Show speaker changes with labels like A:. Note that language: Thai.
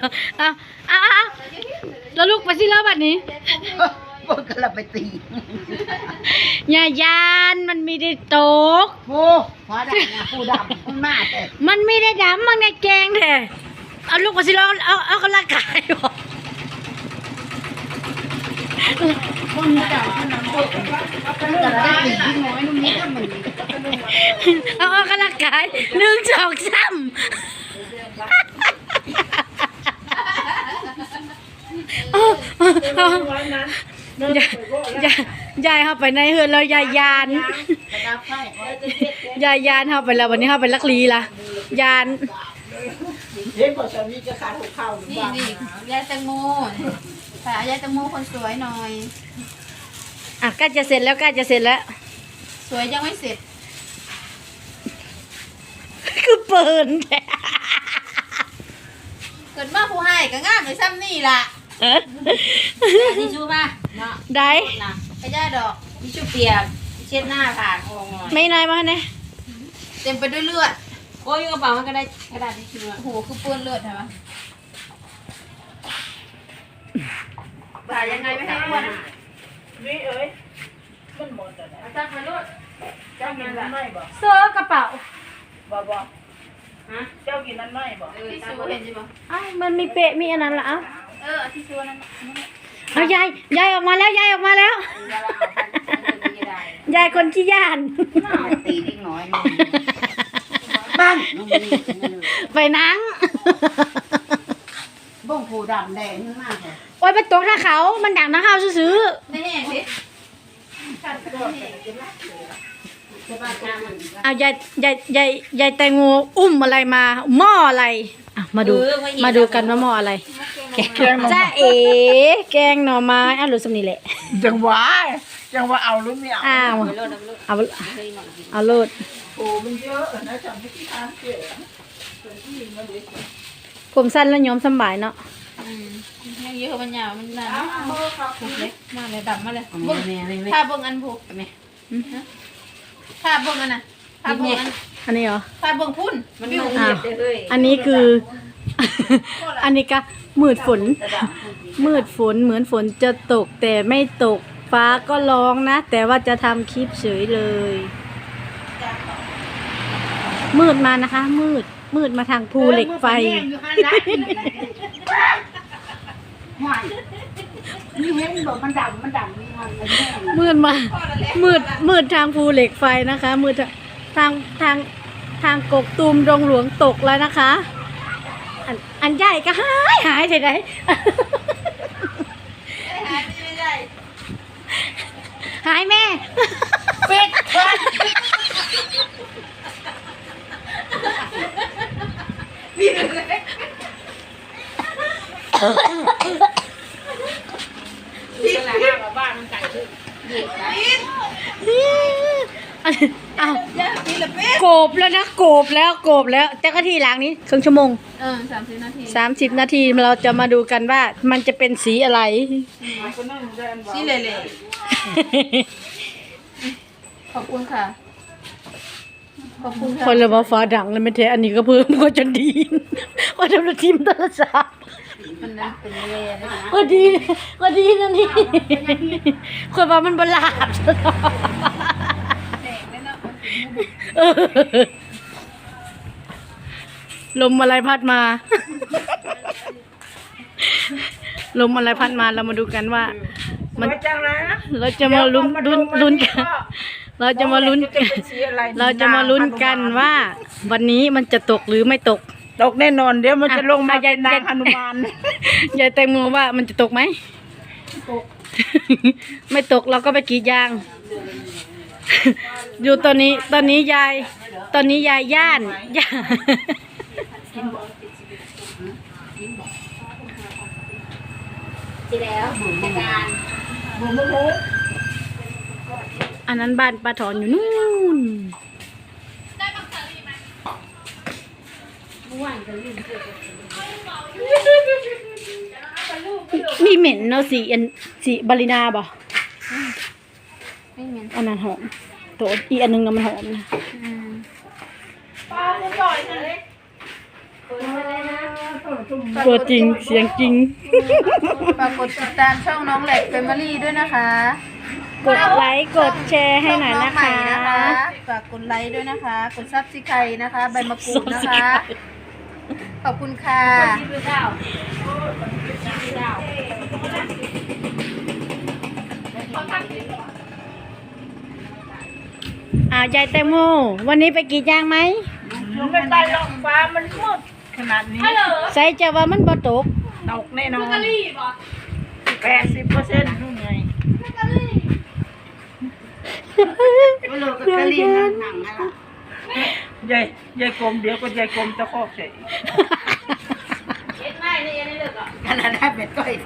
A: เอาแล้วลูกไปสิแล้วบัดนี้
B: พวกกระไปตี
A: อย่ายานมันไม่ได้ตก
B: ผู้ฟ้าดำนะผู้ดำมันมาแต่
A: มันไม่ได้ดำมันในแกงแท้เอาลูกไปสิแล้วเอากระลากายบอก
B: คนดำคนนั้นก็กระได้ตีที่น้อยนุ่มนิดมัน
A: เอากระลากาย1 2 3ยายเข้าไปในเฮือนแล้วยายยานเข้าไปแล้ววันนี้เข้าไปลักลีละยาน
B: เฮ้ยบอกสามีจะขาดหัวเข่าหรือเปล่า
C: นี่ยายแตงโมค่ะยายแตงโมคนสวยหน่อย
A: ใกล้จะเสร็จแล้ว
C: สวยยังไม่เสร็จ
A: คือเปิด
C: เกิดมาผู้ให้ก็งามเลยซ้ำนี่ล่ะทิชชู่ป่ะเนาะ
A: ได้
C: ไอ้ย่าดอกทิชชู่เปียกเช็ดหน้าผ่านออกหน่อย
A: ไม่นายมาเนี่ย
C: เต็มไปด้วยเลือดโอ้ยกระเป๋ามันก็ได้กระดาษทิชชู่โอ้โหคือเปื้อนเลือดใช่ไหมบ่ายยังไงไม่ให้อ้วน
B: นี่เอ้ยมันหมดแล้ว
C: จับมาลูก
B: เจ้ากินนั้นไม่บ่
A: เสื้อกระเป๋า
B: บ่ฮะเจ้ากินนั้นไม่บ่
C: ที่ซูเห็นใช่ป่ะ
A: มันมีเปะมีอันนั้นละ
C: ที่ซูนั้น
A: เอายายออกมาแล้วยายคนขี้ย่าน
B: ตีเล็กน้อยบ้าน
A: ไปนั่ง
B: บ้งผูดำแดงมากเลย
A: โอ้ยไปตกท่าเขามันดังนะเขาซื้อ
C: ไม่แห้งสิ
A: เอายายแตงโมอุ้มอะไรมาหม้ออะไรมาดูกันว่าหม้ออะไรแกงจ้าแกงหน่อไม้รู้สำนีแหละ
B: จังหวะเอาหรือไม่
A: เอาโลด
B: โอ้มันเยอะนะจำที่ทางเก๋
A: ผมสั้นแล้วย้อมสบายเนาะ
C: ยังเยอะมันยาวมันนานเล็กมากเลยดำมาเลยถ้าเบิ่งอันผูกถ้าเบิ่งอันน่ะถ้าเบิ่ง
A: อันนี้เหรอ
C: ถ้าเบิ่งพุ่นมันไม่
A: อันนี้คืออันนี้ก็มืดฝนเหมือนฝนจะตกแต่ไม่ตกฟ้าก็ร้องนะแต่ว่าจะทำคลิปเฉยเลยมืดมานะคะมืดมาทางภูเหล็กไฟ
B: นี่เห็นบอกมันดำ
A: มืดทางภูเหล็กไฟนะคะมืดทางกกตูมดงหลวงตกแล้วนะคะอันใหญ่ก็หายไปไหนหายแม่
B: เป็ด
C: ที่หลังบ้านมันไก่ขึ้น
A: โกบแล้วนะโกบแล้วแต่ก็ทีหลังนี้ครึ่งชั่วโมง30 นาทีเราจะมาดูกันว่ามันจะเป็นสีอะไร
C: สีเละขอบคุณค่ะ
A: คนเลยว่าฟ้าดังเลยไม่เทอันนี้ก็เพิ่มก็จนดีว่าทำระทีมตลาดสา
C: มันนั้นเป็นเละ
A: ก็ดีนั่นนี่คนว่ามันบลาดลมอะไรพัดมาเรามาดูกันว่ามันเราจะมาลุ้นกันเราจะมาลุ้นกันว่าวันนี้มันจะตกหรือไม่ตก
B: แน่นอนเดี๋ยวมันจะลงมายายนางหนุมาน
A: ยายแตงโมว่ามันจะตกไหมไม่ตกเราก็ไปกรีดยางอยู่ตอนนี้ยายย่านอันนั้นบ้านป้าถอนอยู่นู่นมีเหม็นเนาะสีบาลินาบ่อันนั้นหอมตัวอีอันนึงมันหอมนะ
B: ปลาจะจ่อยนะ
A: ตัวจริงเสียงจริง
C: ฝากกดติดตามช่องน้องแหลกเฟมิลี่ด้วยนะคะ
A: กดไลค์กดแชร์ให้หน่อยนะคะ
C: ฝากกดไลค์ด้วยนะคะ กดซับสไครต์นะคะ ใบมะกรูดนะคะ ขอบคุณค่ะ
A: ยายแตงโมวันนี้ไปกรีดยางไหม
B: ไม่ไปหรอกฟ้ามันมืดขนาดนี้
A: ใส่จะว่ามันบ่ตก
B: ตกแน่นอน80%นู่นไงยายกลมเดี๋ยวก็ยายกลมจะคอกเฉยขนาดได้เป็ดก้อย